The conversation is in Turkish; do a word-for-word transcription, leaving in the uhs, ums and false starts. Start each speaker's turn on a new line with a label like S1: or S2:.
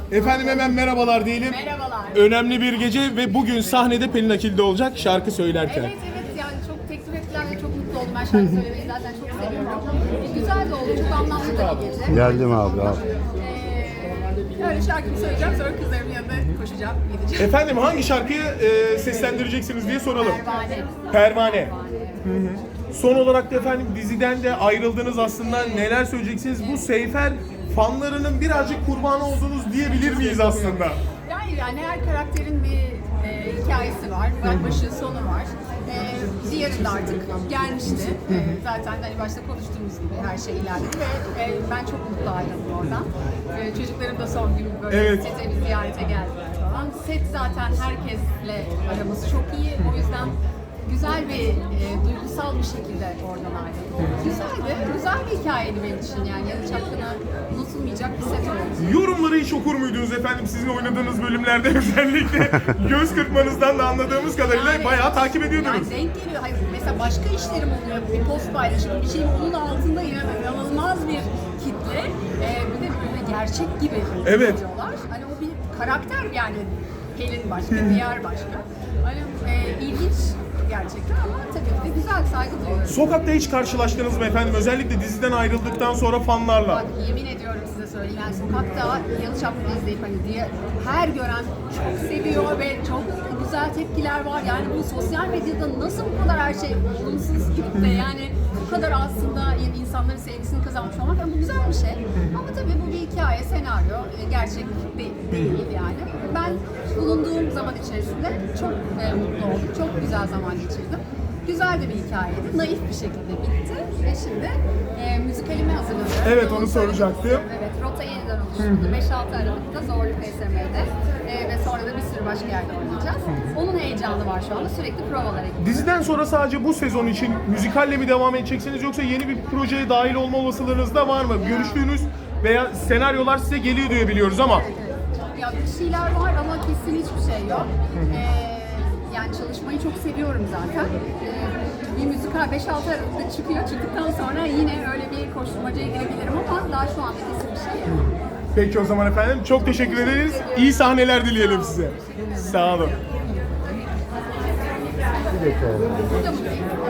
S1: Efendim hemen merhabalar diyelim.
S2: Merhabalar.
S1: Önemli bir gece ve bugün sahnede Pelin Akil'de olacak şarkı söylerken.
S2: Evet evet yani çok teklif ettiler ve çok mutlu oldum. Ben şarkı söylemeyi zaten çok seviyorum. E, güzel de oldu, çok anlamlı da bir gece.
S3: Geldim abi abi.
S2: Ee, öyle şarkımı söyleyeceğim, sonra kızlarımın yanına koşacağım, gideceğim.
S1: Efendim hangi şarkıyı e, seslendireceksiniz diye soralım.
S2: Pervane.
S1: Pervane. Son olarak da efendim diziden de ayrıldınız aslında. Neler söyleyeceksiniz? Bu Seyfer fanlarının birazcık kurbanı oldunuz diyebilir miyiz aslında?
S2: Yani, yani her karakterin bir e, hikayesi var, başı sonu var. E, diğeri de artık gelmişti. E, zaten hani başta konuştuğumuz gibi her şey ilerledi ve e, ben çok mutlu ayrıldım oradan. E, çocuklarım da son gün böyle
S1: Evet.
S2: sete bir ziyarete geldiler falan. Set zaten herkesle aramız çok iyi. O yüzden güzel bir, e, duygusal bir şekilde oradan ayrıldım. Güzeldi, güzel bir hikayeydi benim için yani. Yalı Çapkın'a unutulmayacak bir set oldu.
S1: Yorumları hiç okur muydunuz efendim sizin oynadığınız bölümlerde özellikle göz kırpmanızdan da anladığımız kadarıyla
S2: Yani-
S1: bayağı takip ediyordunuz.
S2: Yani denk geliyor. Hayır, mesela başka işlerim oluyor. Bir post paylaşım, bir şeyin onun altında inanılmaz bir kitle. Ee, bir de böyle gerçek gibi
S1: Evet.
S2: hissediyorlar. Hani o bir karakter yani. Pelin başka, diğer başka. Hani e, ilginç gerçekten ama tabii ki de güzel, saygı duyuyorum.
S1: Sokakta hiç karşılaştınız mı efendim? Özellikle diziden ayrıldıktan sonra fanlarla.
S2: Bak yemin ediyorum size söyleyeyim yani sokakta Yalı Çapkını izleyip hani diye her gören çok seviyor ve çok güzel tepkiler var. Yani bu sosyal medyada nasıl bu kadar her şey olumsuz gidip de yani bu kadar aslında insanların sevgisini kazanmış olmak yani bu güzel bir şey. Ama tabii bu bir hikaye, senaryo, gerçek değil, değil yani. Ben bulunduğum zaman içerisinde çok e, mutlu oldum, çok güzel zaman geçirdim. Güzel de bir hikayeydi. Naif bir şekilde bitti ve şimdi e, müzikalime hazırlanıyorum.
S1: Evet, onu soracaktım.
S2: Evet, rota yeniden oluşturuldu. beş altı Aralık'ta Zorlu P S M'de e, ve sonra da bir sürü başka yerde oynayacağız. Onun heyecanı var şu anda. Sürekli provalara gidiyoruz.
S1: Diziden sonra sadece bu sezon için müzikalle mi devam edeceksiniz yoksa yeni bir projeye dahil olma olasılığınız da var mı? Görüştüğünüz veya senaryolar size geliyor diye biliyoruz ama.
S2: Ya bir şeyler var ama kesin hiçbir şey yok. Ee, yani çalışmayı çok seviyorum zaten. Ee, bir müzikal beş altı Aralık'ta çıkıyor. Çıktıktan sonra yine öyle bir koşturmacaya girebilirim ama daha şu anda kesin bir şey yok.
S1: Peki o zaman efendim çok teşekkür ederiz. İyi sahneler dileyelim size. Sağ olun.
S2: Burada mı?